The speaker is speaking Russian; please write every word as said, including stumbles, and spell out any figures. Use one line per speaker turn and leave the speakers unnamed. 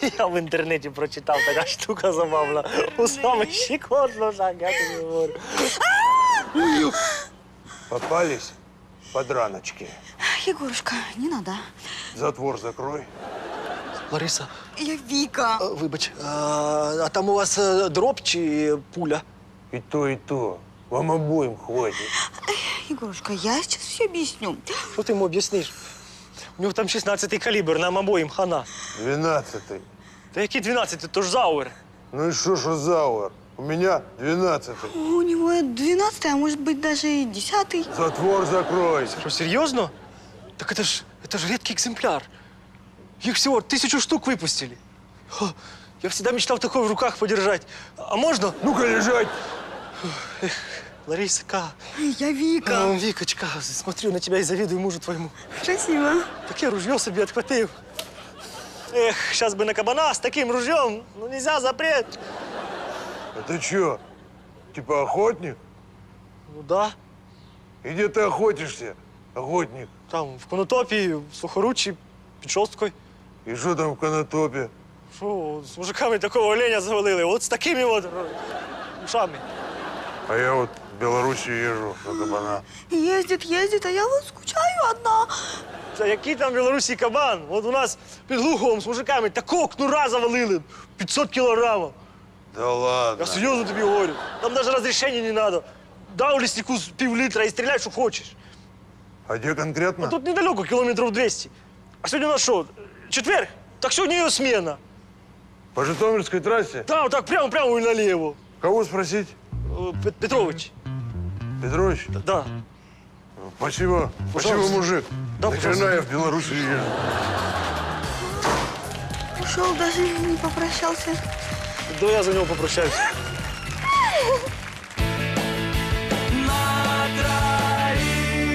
Я в інтернеті прочитав, така штука забавна. У самих щекотно, так, я тобі говорю.
Попались подраночки.
Егорушка, не надо.
Затвор закрой.
Лариса,
Я Вика.
а, вибач, а, а там у вас а, дроб чи пуля?
И то, и то. Вам обоим хватит.
Егорушка, я сейчас все объясню.
Що ти йому об'ясниш? У нього там шістнадцятий калібр, нам обоїм хана.
Двенадцатый.
Та який дванадцятий, то ж зауер.
Ну и что, что зауэр? У меня двенадцатый.
У него двенадцатый, а может быть даже и десятый.
Затвор закрой.
Що, серйозно? Так это ж, это ж редкий экземпляр. Их всего тысячу штук выпустили. Ха, я всегда мечтал такой в руках подержать. А можно?
Ну-ка лежать.
Лариска,
Я Вика.
а, Викочка, смотрю на тебя и завидую мужу твоему.
Красиво.
Таке ружье себе отхватил. Эх, сейчас бы на кабана с таким ружьем. Ну нельзя, запрет.
А ты чё? Типа охотник?
Ну да,
И где ты охотишься, охотник?
там в Конотопі, в Сухоруччі, під Шосткою.
И что там в Конотопе?
Що, з мужиками такого оленя завалили, от з такими от ушами.
А я вот в Белоруссию езжу на кабана.
Ездит, ездит, а я вот скучаю одна.
Та який там в Білорусі кабан? От у нас під Глуховом з мужиками такого кнура завалили, пятьсот кілограмів.
Да ладно.
Я серйозно тобі говорю. Там навіть розрішення не треба. Дав ліснику з пів літра і стріляй, що хочеш.
А где конкретно?
А тут недалеко, кілометрів двісті. А сьогодні у нас що, четвер? Так сьогодні його смена.
По Житомирской трассе?
Там, так, прямо-прямо і наліво.
Кого спросить?
Е, Пет- Петрович.
Петрович?
Да.
Спасибо. Спасибо,
Пожалуйста.
мужик.
Да,
Нахрена
пожалуйста.
я в Белоруссию езжу?
Ушел, даже не попрощался.
Да я за нього попрощаюсь.